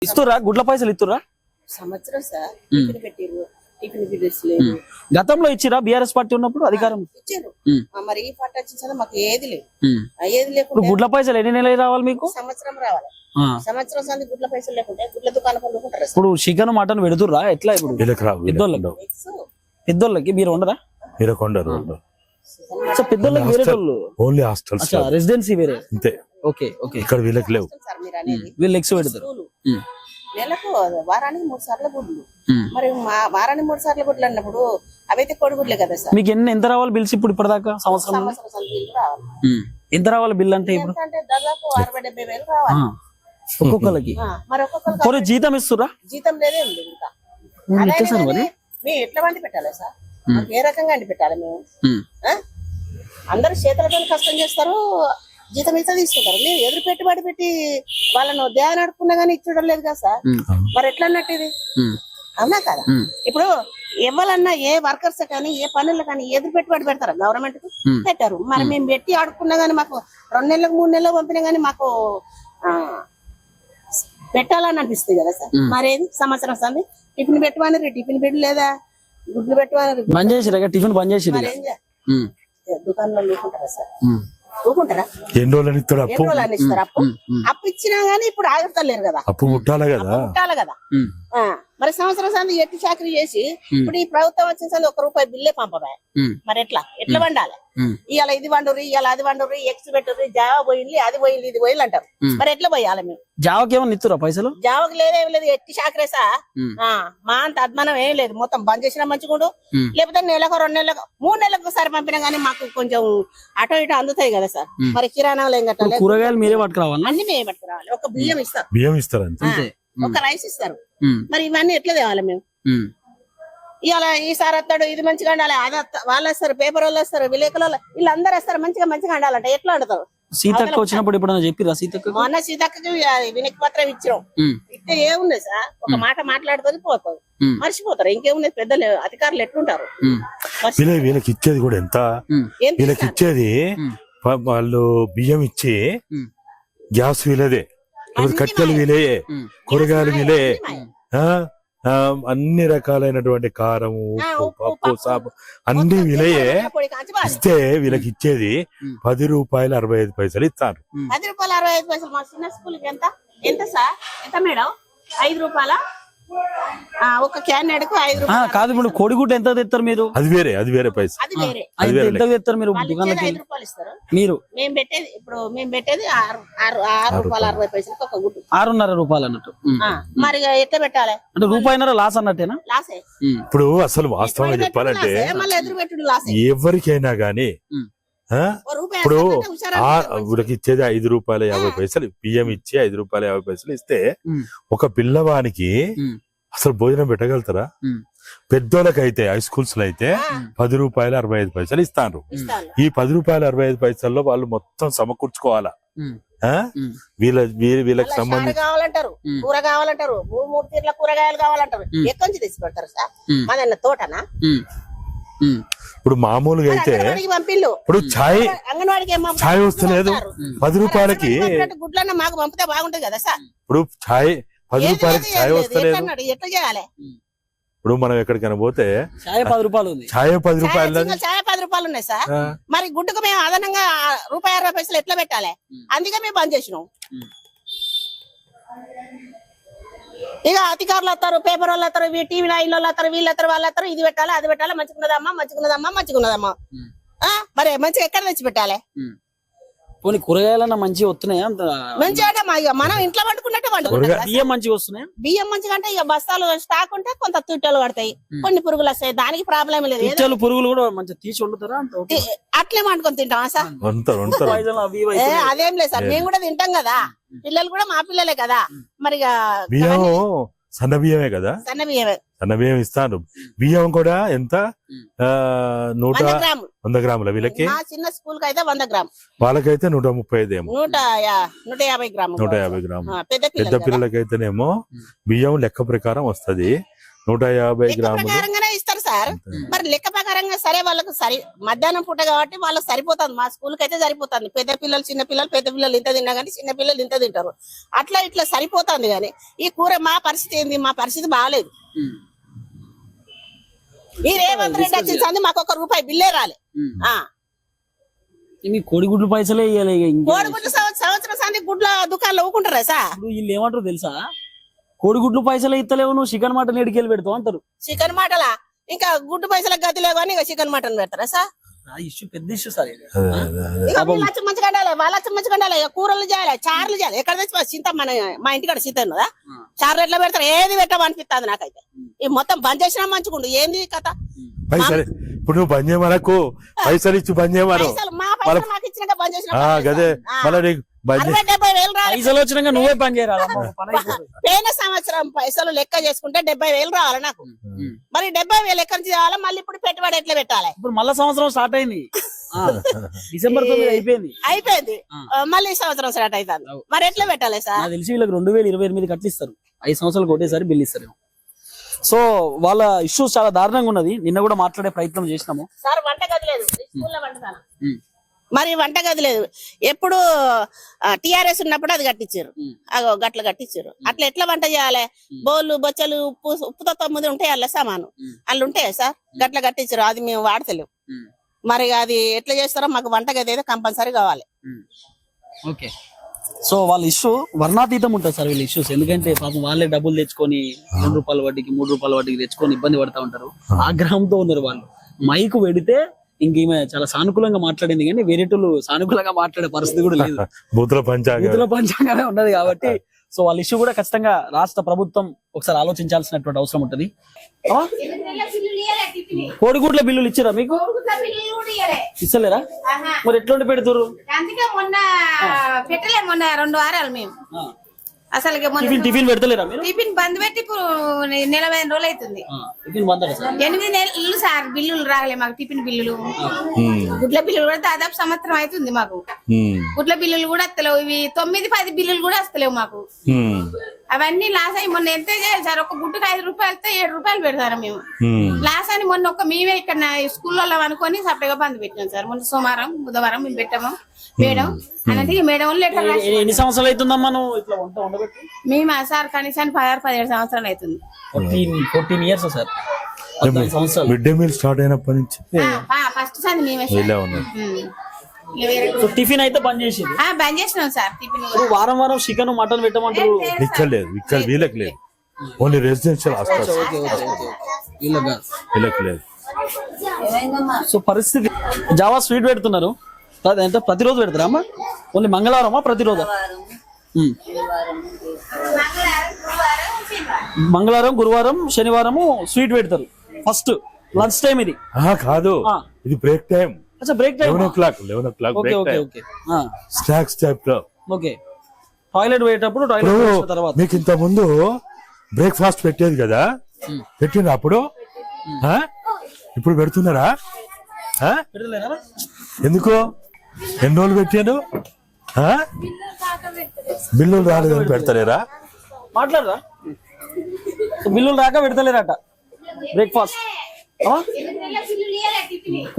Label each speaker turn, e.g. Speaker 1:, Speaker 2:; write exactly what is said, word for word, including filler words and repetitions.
Speaker 1: ఇస్తురా గుడ్ల పైసలు ఇస్తురా
Speaker 2: సంవత్సరం సార్ టిఫిన్ పెట్టిర్రు టిఫిన్ బిల్స్ లేదు
Speaker 1: గతంలో ఇచ్చిరా బీఆర్ఎస్ పార్టీ ఉన్నప్పుడు అధికారం
Speaker 2: ఇచ్చారు మరి ఈ పార్టీ వచ్చిన మాకు ఏది లేదు ఏది
Speaker 1: ఇప్పుడు
Speaker 2: లేకుండా
Speaker 1: గుడ్ల పైసలు ఎన్ని నెలలు రావాలి మీకు
Speaker 2: సంవత్సరం రావాలి సంవత్సరం సంది గుడ్ల పైసలు లేకుంటే గుడ్ల దుకాణం కొనుక్కుంటారు
Speaker 1: ఇప్పుడు చికెన్ మటన్ పెడుతుర్రా ఎట్లా ఇప్పుడు
Speaker 3: వీళ్ళకి రావు, వీళ్ళకి
Speaker 1: పెద్దోళ్ళకి
Speaker 3: ఉండవు.
Speaker 1: పెద్దోళ్ళకి మీరు ఉండరా
Speaker 3: వీళ్ళకి ఉండరు, ఉండరు.
Speaker 1: అచ్చా, పెద్దోళ్ళకి వేరే వాళ్ళు
Speaker 3: ఓన్లీ హాస్టల్స్
Speaker 1: అచ్చా రెసిడెన్సీ వేరే
Speaker 3: అంతే.
Speaker 1: ఓకే ఓకే
Speaker 3: ఇక్కడ వీళ్ళకి లేవు.
Speaker 2: సార్ మీరు అనేది
Speaker 1: వీళ్ళు ఎక్స్ పెడతారు
Speaker 2: స్కూలు. నెలకు వారానికి మూడు సార్లు గుడ్లు మరి మా- వారానికి మూడు సార్లు గుడ్లు అన్నప్పుడు అవైతే కోడిగుడ్లే కదా సార్
Speaker 1: మీకు ఎన్ని ఎంత రావాలి బిల్స్ ఇప్పుడు ఇప్పటిదాకా సంవత్సరం
Speaker 2: సంవత్సరం సంది బిల్లు రావాలి
Speaker 1: ఎంత రావాలి బిల్ అంటే ఇప్పుడు
Speaker 2: ఎంత అంటే దాదాపు అరవై డెబ్బై వేలు రావాలి
Speaker 1: ఆ, ఒక్కొక్కరికి
Speaker 2: ఆ, మరి ఒక్కొక్కరు
Speaker 1: పోనీ జీతం ఇస్తురా
Speaker 2: జీతం లేదే ఉంది ఇంకా
Speaker 1: మీరు
Speaker 2: అదే
Speaker 1: ఇచ్చేసారు మరి
Speaker 2: కానీ మేము ఎట్లా వండి పెట్టాలి సార్ మాకు ఏ రకంగా వండి పెట్టాలి మేము ఆ? అందరూ చేతులతో కష్టం చేస్తారు జీతం ఇస్తే తీసుకుంటారు మీరు ఎదురు పెట్టుబడి పెట్టి వాళ్ళను దేవ నడుపుకున్నా గానీ ఇచ్చడం లేదు కదా సార్ మరి ఎట్లా అన్నట్టు ఇది అవునా కదా ఇప్పుడు ఎవరన్నా ఏ వర్కర్స్ కానీ ఏ పనులు కానీ ఎదురు పెట్టుబడి పెడతారు గవర్నమెంట్ కు పెట్టారు మరి మేము పెట్టి ఆడుకున్నా గానీ మాకు రెండు నెలలకు మూడు నెలలకు పంపినా గానీ మాకు ఆ పెట్టాలని అనిపిస్తుంది కదా సార్ మరేది సంవత్సరం సంది టిఫిన్ పెట్టమని టిఫిన్ పెట్టి లేదా గుడ్లు పెట్టమని
Speaker 1: బంద్ చేసిరా టిఫిన్ బంద్ చేసిరు
Speaker 2: మరి ఏం చేయాలి దుకాణంలో లేకుంటారా సార్ ఊకుంటారా
Speaker 3: ఎన్ని రోజులని ఇస్తాడు అప్పు?
Speaker 2: ఎన్ని రోజులు ఇస్తారు అప్పు అప్పు ఇచ్చినా గానీ ఇప్పుడు ఆగుతలేరు కదా
Speaker 3: అప్పు ముట్టాలి కదా.
Speaker 2: పుట్టాలి కదా ఆ, మరి సంవత్సరం సంది ఎట్టి చాకరీ చేసి ఇప్పుడు ఈ ప్రభుత్వం వచ్చిన సంది ఒక రూపాయి బిల్లే పంపబాయి మరి ఎట్లా ఎట్లా వండాలి ఇవాళ ఇది వండుర్రి ఇవాళ అది వండుర్రి ఎక్స్ పెట్టుర్రి జావా పోయింది అది పోయింది ఇది పోయింది అంటారు మరి ఎట్లా పోయాలి మేము
Speaker 1: జావకి ఏమన్నా ఇస్తురా పైసలు
Speaker 2: జావకు లేదేం లేదు ఎట్టి చాకరేసా మా అంత అద్మానం ఏం లేదు మొత్తం బంద్ చేసినా మంచిగుండు లేకపోతే నెలకు రెండు నెలలకు మూడు నెలలకు ఒకసారి పంపినా గానీ మాకు కొంచెం అటో ఇటో అందుతాయి కదా సార్ మరి కిరాణాలు ఏం కట్టాలి
Speaker 1: కూరగాయలు మీరే పట్టుకురావాలి
Speaker 2: అన్ని మేము పట్టుకురావాలి ఒక బియ్యం ఇస్తారు
Speaker 3: బియ్యం ఇస్తారు అంతే.
Speaker 1: అంతే
Speaker 2: ఒక రైస్ ఇస్తారు మరి ఇవన్నీ ఎట్లా తేవాలి మేము ఇవాళ ఈసారి వస్తాడు ఇది మంచిగా వండాలి అది వస్తా- వాళ్ళు వస్తారు పేపర్ వాళ్ళు వస్తారు విలేకరులు వాళ్ళు వీళ్ళందరూ వస్తారు మంచిగా మంచిగా వండాలంట ఎట్లా వండుతారు
Speaker 1: సీతక్క వచ్చినప్పుడు ఎప్పుడన్నా చెప్పిరా సీతక్క
Speaker 2: మొన్న సీతక్కకి వినతి పత్రం ఇచ్చినాం ఇస్తే ఏముంది సార్ ఒక మాట మాట్లాడుతుంది పోతుంది మర్చిపోతారు ఇంకేముంది పెద్దలు అధికారులు ఎట్లుంటారు
Speaker 3: వీళ్ళ వీళ్ళకి ఇచ్చేది కూడా ఎంత?
Speaker 2: ఏం
Speaker 3: వీళ్ళకి ఇచ్చేది వా- వాళ్ళు బియ్యం ఇచ్చి గ్యాస్ వీళ్ళదే, ఇప్పుడు కట్టెలు వీలే, కూరగాయలు వీలే, ఆ ఆ, అన్ని రకాలైనటువంటి కారం ఉప్పు పప్పు సాపు అన్ని వీలయే ఇస్తే వీళ్ళకి ఇచ్చేది పది రూపాయలు అరవై ఐదు పైసలు ఇస్తారు.
Speaker 2: పది రూపాయలు అరవై ఐదు పైసలు మా చిన్న స్కూల్ కి ఎంత ఎంత సార్ ఎంత మేడం ఐదు రూపాయల ఒక క్యాన్ ఎడకు ఐదు
Speaker 1: ఆ,
Speaker 2: రూపాయలు
Speaker 1: కాదు ఇప్పుడు కోడిగుడ్డు ఎంత తెస్తారు మీరు
Speaker 3: అది వేరే, అది వేరే పైసలు.
Speaker 2: అది వేరే
Speaker 1: అది ఎంత తెస్తారు మీరు
Speaker 2: వాళ్ళు ఇచ్చేది
Speaker 1: దుకాణానికి
Speaker 2: ఐదు రూపాయలు ఇస్తారు
Speaker 1: మీరు
Speaker 2: మేము పెట్టేది ఇప్పుడు మేము పెట్టేది ఆరు ఆరు ఆరు రూపాయలు అరవై పైసలకి ఒక గుడ్డు
Speaker 1: ఆరున్నర రూపాయలు అన్నట్టు
Speaker 2: ఆ, మరి ఎట్లా పెట్టాలి
Speaker 1: అంటే రూపాయిన్నర లాస్ అన్నట్టేనా
Speaker 2: లాసే
Speaker 3: ఇప్పుడు అసలు వాస్తవంగా చెప్పాలంటే
Speaker 2: లాసే, మళ్ళీ ఎదురు పెట్టుడు లాసే
Speaker 3: ఎవరికైనా గానీ ఆ,
Speaker 2: ఓ రూపాయి
Speaker 3: ఇప్పుడు
Speaker 2: వేస్తారంటే హుషారు
Speaker 3: ఆ
Speaker 2: అనిపిస్తుంది.
Speaker 3: వీళ్ళకి ఇచ్చేది ఐదు రూపాయల యాభై పైసలు బియ్యం ఇచ్చి ఐదు రూపాయల యాభై పైసలు ఇస్తే ఒక పిల్లవానికి అసలు భోజనం పెట్టగలుగుతారా? పెద్దోళ్ళకైతే హై స్కూల్స్ లో అయితే పది రూపాయలు అరవై ఐదు పైసలు ఇస్తాను.
Speaker 2: ఇస్తాను.
Speaker 3: ఈ పది రూపాయలు అరవై ఐదు పైసల్లో వాళ్ళు మొత్తం సమకూర్చుకోవాలా. ఆ? వీళ్ళ వీళ్ళ- వీళ్ళకి
Speaker 2: మళ్ళా
Speaker 3: సంబంధించి
Speaker 2: చారు కావాలంటారు కూర కావాలంటారు మూడు మూడు తీర్ల కూరగాయలు కావాలంటారు ఎక్కడి నుంచి తెచ్చి పెడతారు సార్ మాదన్న తోటనా
Speaker 3: ఇప్పుడు మామూలుగా అయితే
Speaker 2: అంగన్వాడికి పంపిల్లు
Speaker 3: ఇప్పుడు ఛాయ్
Speaker 2: అంగన్వాడికి ఏం పంపుతారు?
Speaker 3: ఛాయ్ వస్తలేదు పది రూపాయలకి.
Speaker 2: పంపినట్టు గుడ్లన్న మాకు పంపితే బాగుంటది కదా సార్
Speaker 3: ఇప్పుడు ఛాయ్ పది
Speaker 2: ఏది
Speaker 3: రూపాయలకి
Speaker 2: లేదు,
Speaker 3: ఛాయ్
Speaker 2: ఏది లేదు.
Speaker 3: వస్తలేదు.
Speaker 2: ఎట్లా అన్నాడు? ఎట్లా చేయాలి
Speaker 3: ఇప్పుడు మనం ఎక్కడికైనా పోతే
Speaker 1: చాయ్ పది రూపాయలు ఉంది
Speaker 3: ఛాయ్ పది
Speaker 2: చాయ్
Speaker 3: రూపాయలు
Speaker 2: సింగిల్ చాయ్ పది రూపాయలు ఉన్నాయి సార్
Speaker 3: ఆ.
Speaker 2: మరి గుడ్డుకు మేము అదనంగా రూపాయి అరవై పైసలు ఎట్లా పెట్టాలి అందుకే మేము బంద్ చేసినాం ఇక అధికారులు వస్తారు పేపర్ వాళ్ళు వస్తారు టీవీ నైన్ వాళ్ళు వస్తారు వీళ్ళు వస్తారు వాళ్ళు వస్తారు ఇది పెట్టాలి అది పెట్టాలి మంచిగున్నదమ్మా మంచిగున్నదమ్మా మంచిగున్నదమ్మా ఆ, మరి మంచిగా ఎక్కడ తెచ్చి పెట్టాలి
Speaker 1: పోనీ కూరగాయలన్నా మంచిగా వస్తున్నాయా అంత
Speaker 2: మంచిగా అంటే మా- ఇక మనం ఇంట్లో వండుకున్నట్టే వండుకుంటాం కదా.
Speaker 1: బియ్యం మంచిగా వస్తున్నాయా
Speaker 2: బియ్యం మంచిగా అంటే ఇక బస్తాలు స్టాక్ ఉంటే కొంత తుట్టలు పడతాయి కొన్ని పురుగులు వస్తాయి దానికి ప్రాబ్లం లేదు ఏదో
Speaker 1: పిచ్చలు పురుగులు కూడా మంచిగా తీసి వండుతారా అంత ఓకే.
Speaker 2: తి- అట్లే వండుకొని తింటామా సార్
Speaker 3: ఉంటారు ఉంటారు
Speaker 1: పాయిజన్ అవి ఇవి
Speaker 2: ఏ,
Speaker 1: అవుతున్నాయి.
Speaker 2: అదేం లేదు సార్ మేము కూడా తింటాం కదా పిల్లలు కూడా మా పిల్లలే కదా మరి ఇక
Speaker 3: బియ్యం సన్న బియ్యమే కదా,
Speaker 2: సన్న బియ్యమే
Speaker 3: సన్న బియ్యం ఇస్తాను. బియ్యం కూడా ఎంత ఆ, నూట
Speaker 2: వంద గ్రాములు
Speaker 3: వంద గ్రాముల వీళ్ళకి,
Speaker 2: మా చిన్న స్కూల్ కి అయితే వంద గ్రాములు
Speaker 3: వాళ్ళకైతే నూట ముప్పై ఐదు ఏమో,
Speaker 2: నూట యా- నూట యాభై గ్రాములు
Speaker 3: నూట యాభై గ్రాములు.
Speaker 2: ఆ, పెద్ద
Speaker 3: పెద్ద
Speaker 2: పిల్లలు
Speaker 3: పిల్లలకైతేనేమో బియ్యం లెక్క ప్రకారం వస్తది నూట యాభై గ్రాములు.
Speaker 2: ప్రకారంగానే ఇస్తారు సార్ సార్. మరి లెక్క ప్రకారంగా సరే వాళ్ళకు సరి మధ్యాహ్నం పూట కాబట్టి వాళ్ళకి సరిపోతుంది. మా స్కూల్ కి అయితే సరిపోతుంది. పెద్ద పిల్లలు చిన్న పిల్లలు పెద్ద పిల్లలు ఇంత తిన్నా కానీ చిన్న పిల్లలు ఇంత తింటారు. అట్లా ఇట్లా సరిపోతుంది. కానీ ఈ కూర మా పరిస్థితి ఏంది? మా పరిస్థితి బాగాలేదు. ఈ రేవంత్ రెడ్డి వచ్చింది మాకు ఒక రూపాయి బిల్లే రాలే. ఆ
Speaker 1: మీ కోడిగుడ్లు పైసలే ఇవ్వాలి.
Speaker 2: కోడిగుడ్లు సంవత్సరం సంది గుడ్ల దుకాణంలో ఊకుంటారా సార్?
Speaker 1: వీళ్ళు ఏమంటారు తెలుసా, కోడిగుడ్లు పైసలే ఇస్తలేవు, నువ్వు చికెన్ మటన్ ఎడికెళ్ళి పెడతావు అంటారు.
Speaker 2: చికెన్ మటలా ఇంకా గుడ్డు పైసలకు గతి లేవు అని ఇక చికెన్ మటన్ పెడతారా సార్?
Speaker 1: ఇష్యూ పెద్ద ఇష్యూ సార్ ఇది.
Speaker 2: ఇక వీళ్ళు మంచిగా ఉండాలి, వాళ్ళు మంచిగా ఉండాలి. కూరలు చేయాలి, చారులు చేయాలి. ఎక్కడ తెచ్చి చింత మన మా ఇంటికాడ చింత ఉన్నదా? చారులు ఎట్లా పెడతారు? ఏది పెట్టమనిపిస్తుంది నాకైతే. ఈ మొత్తం బంద్ చేసినా మంచిగుండు. ఏంది కథ?
Speaker 3: పైసలు ఇప్పుడు నువ్వు బంద్ చేయమనకు, పైసలు ఇచ్చి బంద్ చేయమను.
Speaker 2: పైసలు మా పైసలు మాకు ఇచ్చినాక బంద్ చేసిన
Speaker 3: గదే మళ్ళీ నీకు బంద్
Speaker 2: అరవై డెబ్బై వేలు రావాలి.
Speaker 1: పైసలు వచ్చినాక నువ్వే పని చేయరాదు.
Speaker 2: పోయిన సంవత్సరం పైసలు లెక్క చేసుకుంటే డెబ్బై వేలు రావాలి నాకు. మరి డెబ్బై వేలు ఎక్కడి నుంచి రావాలి? మళ్ళీ ఇప్పుడు పెట్టుబడి ఎట్లా పెట్టాలి?
Speaker 1: ఇప్పుడు మళ్ళా సంవత్సరం స్టార్ట్ అయింది. డిసెంబర్ తొమ్మిది అయిపోయింది
Speaker 2: అయిపోయింది మళ్ళీ సంవత్సరం స్టార్ట్ అవుతుంది. మరి ఎట్లా పెట్టాలి సార్?
Speaker 1: నాకు తెలిసి వీళ్ళకి రెండు వేల ఇరవై ఎనిమిది కట్లు ఇస్తారు. ఐదు సంవత్సరాలు కొట్టేసారి బిల్ ఇస్తారు. సో వాళ్ళ ఇష్యూస్ చాలా దారుణంగా ఉన్నది. నిన్న కూడా మాట్లాడే ప్రయత్నం చేసినాము
Speaker 2: సార్. వంట గది లేదు స్కూల్లో వంటదాన. మరి వంట గది లేదు. ఎప్పుడు టిఆర్ఎస్ ఉన్నప్పుడు అది కట్టించారు. అగో గట్ల కట్టించారు. అట్లా ఎట్లా వంట చేయాలి? బౌలు బొచ్చలు ఉప్పు ఉప్పుతో తొమ్మిది ఉంటాయి అల్ల సామాను అల్లు ఉంటాయా సార్? గట్ల కట్టించారు. అది మేము వాడతలేము. మరి అది ఎట్లా చేస్తారో మాకు వంట గది అయితే కంపల్సరీ కావాలి.
Speaker 1: ఓకే. సో వాళ్ళ ఇష్యూ వర్ణాతీతం ఉంటుంది సార్ వీళ్ళ ఇష్యూస్. ఎందుకంటే పాపం వాళ్ళే డబ్బులు తెచ్చుకొని రెండు రూపాయల వడ్డీకి మూడు రూపాయల వడ్డీకి తెచ్చుకొని ఇబ్బంది పడతా ఉంటారు. ఆగ్రహంతో ఉన్నారు వాళ్ళు. మైకు పెడితే ఇంకేమే చాలా సానుకూలంగా మాట్లాడింది కానీ వేరేటోళ్ళు సానుకూలంగా మాట్లాడే పరిస్థితి కూడా లేదు.
Speaker 3: బూతుల పంచాంగం
Speaker 1: బూతుల పంచాంగమే ఉన్నది కాబట్టి సో వాళ్ళ ఇష్యూ కూడా ఖచ్చితంగా రాష్ట్ర ప్రభుత్వం ఒకసారి ఆలోచించాల్సినటువంటి అవసరం ఉంటది. కోడిగుడ్ల బిల్లులు ఇచ్చారా మీకు? ఇస్తలేరా? మరి ఎట్లుండి పెడుతురు?
Speaker 4: అందుకే మొన్న పెట్టలే, మొన్న రెండు వారాలు మేము అసలు
Speaker 1: టిఫిన్ పెడతలేరా మీరు?
Speaker 4: టిఫిన్ బంద్ పెట్టి ఇప్పుడు నలభై రోజులు అవుతుంది.
Speaker 1: టిఫిన్ బంద్ సార్?
Speaker 4: ఎనిమిది నెలలు సార్ బిల్లులు రాగలే మాకు. టిఫిన్ బిల్లులు, గుడ్ల బిల్లులు కూడా దాదాపు సంవత్సరం అవుతుంది మాకు. గుడ్ల బిల్లులు కూడా వస్తలేవు. ఇవి తొమ్మిది పది బిల్లులు కూడా వస్తలేవు మాకు. అవన్నీ లాస్ అయ్యి మొన్న ఎంత చేయాలి సార్? ఒక గుడ్డుకు ఐదు రూపాయలతో ఏడు రూపాయలు పెడతారు మేము. లాస్ అని మొన్న ఒక మేమే ఇక్కడ స్కూల్లో అనుకొని సపరేట్గా బంద్ పెట్టాం సార్. మొన్న సోమవారం బుధవారం మేము పెట్టాము. మేడం అనేది మేడం వాళ్ళు ఎట్లా
Speaker 1: ఎన్ని సంవత్సరాలు అవుతుందమ్మా నువ్వు ఇట్లా వంట ఉండబెట్టి?
Speaker 4: మేము సార్ కనీసానికి పదహారు పదిహేడు సంవత్సరాలు అవుతుంది.
Speaker 1: Fourteen years sir.
Speaker 3: Mid day meal start అయినప్పటి నుంచి
Speaker 4: ఫస్ట్ సార్ మేమే
Speaker 1: టిఫిన్ అయితే బంద్ చేసి
Speaker 4: బంద్ చేసినాం సార్. టిఫిన్
Speaker 1: వారం వారం చికెన్ మటన్ పెట్టమంటారు.
Speaker 3: ఇక్కడ లేదు, ఇక్కడ వీళ్ళకి లేదు. ఓన్లీ రెసిడెన్షియల్ హాస్టల్స్ వీళ్ళకి లేదు.
Speaker 1: సో పరిస్థితి జావా స్వీట్ పెడుతున్నారు. అంటే ప్రతిరోజు పెడతారా అమ్మా? ఓన్లీ మంగళవారమా ప్రతిరోజు? మంగళవారం గురువారం శనివారము స్వీట్ పెడతారు. ఫస్ట్ లంచ్ టైం ఇది
Speaker 3: కాదు, ఇది break time.
Speaker 1: Break time
Speaker 3: eleven o'clock eleven o'clock snacks type లో.
Speaker 1: ఓకే. టాయిలెట్ పోయేటప్పుడు టాయిలెట్ తర్వాత
Speaker 3: మీకు ఇంత ముందు బ్రేక్ఫాస్ట్ పెట్టేది కదా, పెట్టిండ్రు అప్పుడు? ఇప్పుడు పెడుతున్నారా? ఎందుకు? ఎన్ని రోజులు పెట్టాను? బిల్లులు రాలేదని పెడతలేరా?
Speaker 1: మాట్లాడరా? బిల్లులు రాక పెడతలేరట బ్రేక్ఫాస్ట్.